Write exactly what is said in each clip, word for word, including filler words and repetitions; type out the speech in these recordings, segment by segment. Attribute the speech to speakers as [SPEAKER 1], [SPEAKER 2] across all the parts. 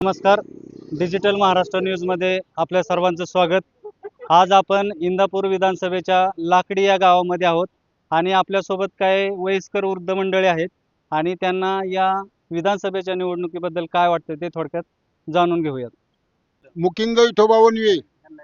[SPEAKER 1] नमस्कार. डिजिटल महाराष्ट्र न्यूजमध्ये आपल्या सर्वांचं स्वागत. आज आपण इंदापूर विधानसभेच्या लाकडी या गावामध्ये आहोत आणि आपल्यासोबत काही वयस्कर वृद्ध मंडळी आहेत आणि त्यांना या विधानसभेच्या निवडणुकीबद्दल काय वाटतं ते थोडक्यात जाणून घेऊयात.
[SPEAKER 2] मुकिंद विठोबा वनवे.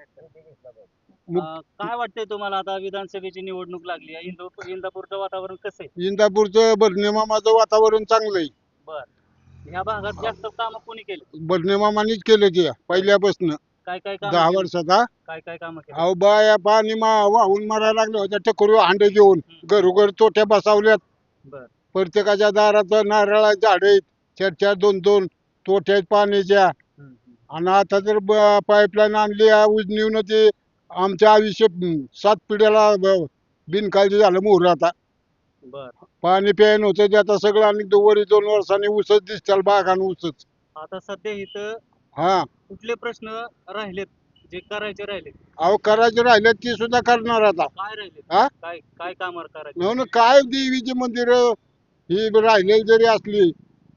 [SPEAKER 1] अं, काय वाटतंय तुम्हाला आता विधानसभेची निवडणूक लागली आहे, इंदू इंदापूरचं वातावरण कसं आहे?
[SPEAKER 2] इंदापूरचं बर्नेमामाचं वातावरण चांगलं आहे.
[SPEAKER 1] बर, ह्या भागात जास्त कामं कोणी केली?
[SPEAKER 2] बर्नेमामानीच केलं ते पहिल्यापासून
[SPEAKER 1] काय काय काम
[SPEAKER 2] दहा वर्षाचा.
[SPEAKER 1] काय काय कामं केली?
[SPEAKER 2] अहो बाया पाणी मा वाहून मारायला लागले होत्या टकोरी हांडे घेऊन घरोघर तोट्या बसावल्यात.
[SPEAKER 1] बर,
[SPEAKER 2] प्रत्येकाच्या दारात नारळा झाड आहेत, चार चार दोन दोन तोट्या आहेत पाण्याच्या.
[SPEAKER 1] हम्म, हम्म.
[SPEAKER 2] आणि आता तर पाईपलाईन आणली आहे उजनीवनं, ते आमच्या आयुष्य हम्म, सात पिढ्याला ब- बिनकाळजी झालं मोहर. आता
[SPEAKER 1] बर,
[SPEAKER 2] पाणी प्यायन होतं ते आता सगळं, आणि दोवरी दोन वर्षांनी उसच दिसतील बागान उसच.
[SPEAKER 1] आता सध्या इथं
[SPEAKER 2] हा
[SPEAKER 1] कुठले प्रश्न राहिलेत जे करायचे राहिलेत?
[SPEAKER 2] अहो करायचे राहिले ती सुद्धा करणार आता.
[SPEAKER 1] काय राहिलेत?
[SPEAKER 2] हा
[SPEAKER 1] काय काय कामावर करायचे?
[SPEAKER 2] म्हणून काय देवीची मंदिर ही राहिलेली जरी असली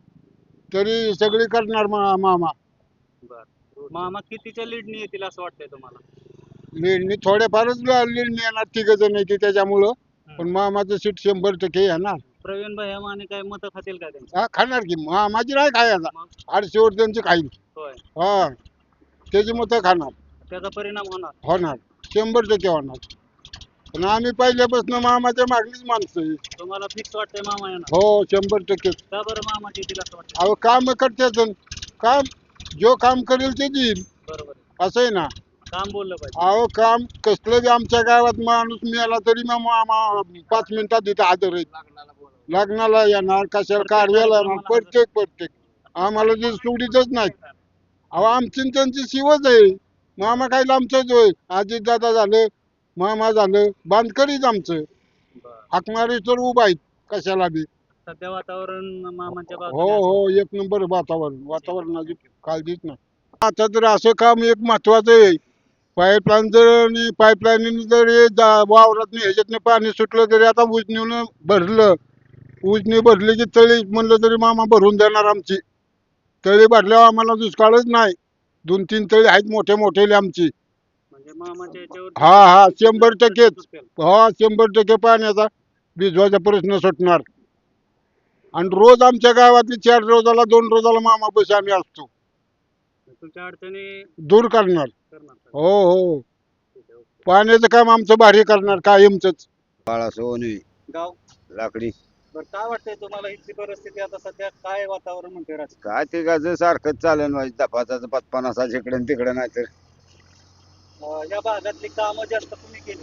[SPEAKER 2] तरी सगळी करणार मा- मामा.
[SPEAKER 1] बर, मामा कितीच्या लीडनी येतील असं वाटतंय तुम्हाला?
[SPEAKER 2] लेणी थोडेफारच लेणी येणार, तिघ जण येते त्याच्यामुळं. पण
[SPEAKER 1] हम्म.
[SPEAKER 2] मामाचं सीट शंभर टक्के येणार.
[SPEAKER 1] प्रवीण भाई माने काय मत खातील का त्यांची?
[SPEAKER 2] हा खाणार की मामाची नाही खायचा.
[SPEAKER 1] मग
[SPEAKER 2] आठशे वर त्यांची खाईल.
[SPEAKER 1] होय,
[SPEAKER 2] हा त्याची मतं खाणार.
[SPEAKER 1] त्याचा परिणाम होणार.
[SPEAKER 2] होणार, शंभर टक्के होणार. पण आम्ही पहिल्यापासून मामाच्या मागणीच माणसं आहे.
[SPEAKER 1] तुम्हाला फिक्स वाटतंय मामा येणार?
[SPEAKER 2] हो शंभर टक्के.
[SPEAKER 1] का बरं मामा येतील असं वाटतं?
[SPEAKER 2] अहो काम करतात, काम जो काम करेल ते देईल,
[SPEAKER 1] बरोबर आहे.
[SPEAKER 2] असं आहे ना.
[SPEAKER 1] काम बोललं पाहिजे.
[SPEAKER 2] अहो काम कसलं बी आमच्या गावात माणूस मिळाला तरी मग मामा पाच मिनिटात तिथे हजर आहे. लग्नाला येणार, कशाला कार्याला येणार, प्रत्येक प्रत्येक आम्हाला ते सोडीतच नाही. अहो आमची न त्यांची शिवच आहे. मामा काय लांबचंच होय. अजित दादा झालं, मामा झालं, बांधकरीच आमचं.
[SPEAKER 1] बरं.
[SPEAKER 2] हाकमारी तर उभा आहेत कशाला बी.
[SPEAKER 1] सध्या वातावरण मामांच्या
[SPEAKER 2] हो
[SPEAKER 1] बाजूने असं
[SPEAKER 2] हो एक नंबर वातावरण. वातावरणाची काळजीच नाही. आता तर असं काम एक महत्वाचं आहे. पाईपलाईन जर पाईपलाईन जर हे जा- वावरात ह्याच्यातनं पाणी सुटलं तरी आता उजनीनं भरलं. उजनी भरली की तळी म्हणलं तरी मामा भरून देणार आमची. तळी भरल्यावर आम्हाला दुष्काळच नाही. दोन तीन तळी आहेत मोठे मोठे आमची.
[SPEAKER 1] म्हणजे मामाच्या याच्यावर
[SPEAKER 2] हा हा शंभर टक्केच. हा शंभर टक्के पाण्याचा भिजवायचा प्रश्न सुटणार. आणि रोज आमच्या गावातली चार रोजाला दोन रोजाला मामा बस आम्ही असतो.
[SPEAKER 1] तुमच्या अडचणी
[SPEAKER 2] दूर करणार.
[SPEAKER 1] करणार.
[SPEAKER 2] हो हो पाण्याचं काम आमचं भारी करणार कायमच.
[SPEAKER 3] बाळा सोनवी
[SPEAKER 1] गाव.
[SPEAKER 3] लाकडी.
[SPEAKER 1] बरं, काय वाटतंय तुम्हाला इथली परिस्थिती आता सध्या काय वातावरण म्हणते राजकीय?
[SPEAKER 3] काय ते गाजर सारखंच चालेल माझी दफाचा पत्पनासा इकडे न तिकडे नाही तर
[SPEAKER 1] अं, या भागातली कामं जास्त कुणी केली?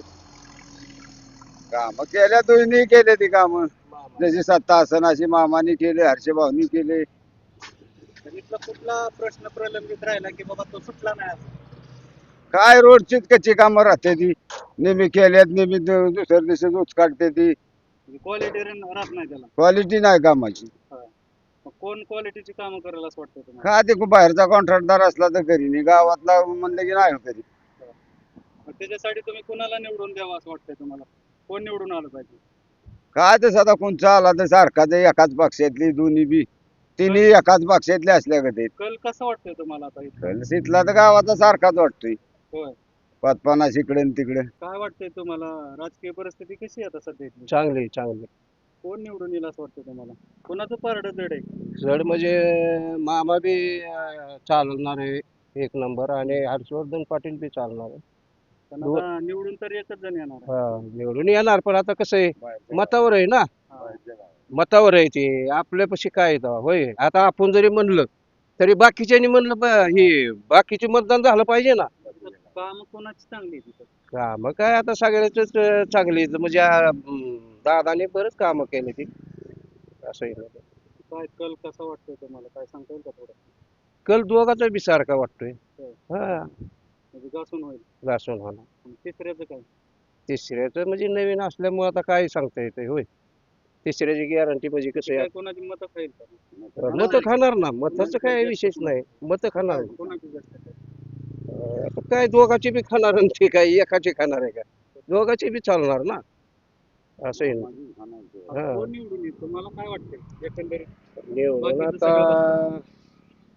[SPEAKER 3] काम केल्या दोन्ही केले ती काम जशी सत्ता असन अशी मामानी केले, हर्षभाऊनी केले.
[SPEAKER 1] तर इथला कुठला प्रश्न प्रलंबित राहिला की बाबा तो सुटला नाही असं?
[SPEAKER 3] काय रोडचीच कच्ची कामं राहते ती. नेहमी केल्यात नेहमी दु- दुसऱ्या दिवशी उच काढते ती.
[SPEAKER 1] क्वालिटी राहत नाही त्याला.
[SPEAKER 3] क्वालिटी नाही कामाची.
[SPEAKER 1] मग कोण क्वालिटीची कामं करेल असं वाटतं तुम्हाला?
[SPEAKER 3] का ते खूप बाहेरचा कॉन्ट्रॅक्टदार असला तर करी नाही, गावातला म्हणलं की नाही करी.
[SPEAKER 1] मग त्याच्यासाठी तुम्ही कुणाला निवडून द्यावं असं वाटतंय तुम्हाला? कोण निवडून आलं पाहिजे?
[SPEAKER 3] काय तसं आता कोणचा आला तर सारखाच आहे, एकाच पक्षातली दोन्ही बी तिन्ही एकाच पक्षातले असल्या का ते.
[SPEAKER 1] कल कसं वाटतंय तुम्हाला आता इथं?
[SPEAKER 3] तिथला तर गावाचा सारखाच वाटतोय.
[SPEAKER 1] होय.
[SPEAKER 3] पतपन्नास इकडे न तिकडे.
[SPEAKER 1] काय वाटतंय तुम्हाला राजकीय परिस्थिती कशी आहे आता सध्या इथली?
[SPEAKER 4] चांगली चांगली
[SPEAKER 1] कोण निवडून येईल असं वाटतं तुम्हाला? कोणाचं पारडं जड आहे?
[SPEAKER 4] जड म्हणजे मामा बी अं, चालणार आहे एक नंबर, आणि हर्षवर्धन पाटील बी चालणार आहे.
[SPEAKER 1] पण आता निवडून तर एकच जण येणार आहे.
[SPEAKER 4] हा, निवडून येणार, पण आता कसं आहे मतावर आहे ना.
[SPEAKER 1] हा.
[SPEAKER 4] मतावर आहे ते आपल्यापाशी काय आहे तेव्हा. होय, आता आपण जरी म्हणलं तरी बाकीच्यांनी म्हणलं बा- हे बाकीचे मतदान झालं पाहिजे ना.
[SPEAKER 1] इथं कामं कोणाची चांगली आहे तिथं?
[SPEAKER 4] का मग काय आता सगळ्याच चांगली आहेत. म्हणजे अं, दादाने बरंच कामं केले ती असं आहे ना.
[SPEAKER 1] काय कल कसा वाटतोय तुम्हाला? काय सांगता येईल का थोडं?
[SPEAKER 4] कल दोघाचा बी सारखा वाटतोय.
[SPEAKER 1] होय.
[SPEAKER 4] हा,
[SPEAKER 1] म्हणजे घासून होईल.
[SPEAKER 4] घासून होणार.
[SPEAKER 1] आणि तिसऱ्याचं काय?
[SPEAKER 4] तिसऱ्याचं म्हणजे नवीन असल्यामुळे आता काय सांगता येते. होय, तिसऱ्याची गॅरंटी म्हणजे कसं
[SPEAKER 1] काय
[SPEAKER 4] आहे,
[SPEAKER 1] कोणाची मतं खाईल का?
[SPEAKER 4] मतं खाणार ना. मताचं काय विशेष नाही, मतं खाणार.
[SPEAKER 1] कोणाची जास्त खाईल?
[SPEAKER 4] अं, आता काय दोघाची बी खाणार आणि ते काय एकाची खाणार आहे का? दोघाची बी चालणार ना, असं आहे ना. हा.
[SPEAKER 1] कोण निवडून येईल तुम्हाला काय वाटतंय एकंदरीत?
[SPEAKER 4] निवडून
[SPEAKER 1] बाकीचं
[SPEAKER 4] आता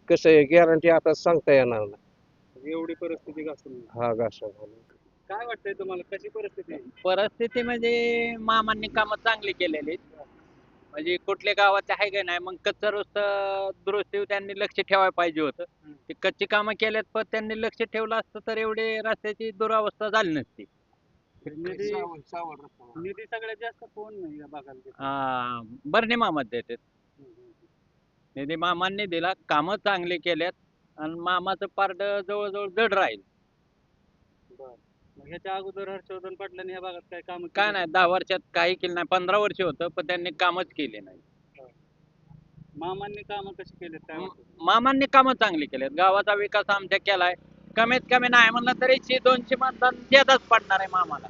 [SPEAKER 4] कसं आहे गॅरंटी आता सांगता येणार नाही.
[SPEAKER 1] एवढी परिस्थिती घासून
[SPEAKER 4] हा घासा
[SPEAKER 1] काय वाटतंय तुम्हाला कशी परिस्थिती आहे?
[SPEAKER 5] परिस्थिती म्हणजे मामांनी कामं चांगली केलेली आहेत. म्हणजे कुठल्या गावात आहे का नाही मग कच्चा रस्ता दुरुस्ती त्यांनी लक्ष ठेवायला पाहिजे होतं. ते कच्ची कामं केल्यात पण त्यांनी लक्ष ठेवलं असतं तर एवढी रस्त्याची दुरावस्था झाली नसती.
[SPEAKER 1] निधी निधी सगळ्यात जास्त कोण नाही या भागाला देतं?
[SPEAKER 5] हा बर्णे मामा देतात.
[SPEAKER 1] हम्म, हम्म, हम्म.
[SPEAKER 5] निधी मामांनी दिला कामं चांगली केल्यात आणि मामाचं पारड जवळजवळ जड राहील.
[SPEAKER 1] बरं. मग ह्याच्या अगोदर हर्षवर्धन पाटलांनी या भागात काय काम
[SPEAKER 5] काय नाही दहा वर्षात काही केलं नाही पंधरा वर्ष होतं पण त्यांनी कामच केले नाही.
[SPEAKER 1] मामांनी काम कशी केलेत काय वाटतं?
[SPEAKER 5] मामांनी कामं चांगली केलेत गावाचा विकास आमच्या केलाय कमीत कमी नाही म्हणलं तरी शे दोनशे मतदान देतच पडणार आहे मामाला.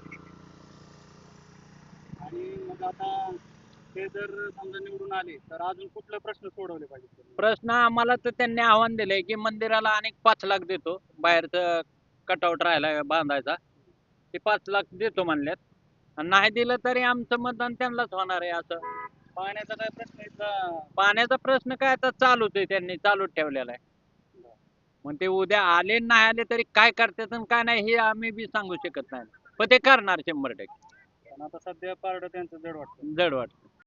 [SPEAKER 1] आणि मग आता ते जर समजा निवडून आले तर अजून कुठले प्रश्न सोडवले पाहिजे त्यांनी?
[SPEAKER 5] प्रश्न आम्हाला तर त्यांनी आव्हान दिलंय की मंदिराला अनेक पाच लाख देतो बाहेरचं कटआउट राहिला बांधायचा ते पाच लाख देतो म्हणल्यात आणि नाही दिलं तरी आमचं मतदान त्यांनाच होणार आहे. असं
[SPEAKER 1] पाण्याचा काय प्रश्न इथला
[SPEAKER 5] पाण्याचा प्रश्न काय आता चालूच आहे त्यांनी चालूच ठेवलेला आहे. मग ते उद्या आले नाही आले तरी काय करतात आणि काय नाही हे आम्ही बी सांगू शकत नाही पण ते करणार शंभर टक्के
[SPEAKER 1] पण आता सध्या पारडं त्यांचं जड वाटतं.
[SPEAKER 5] जड वाटतं.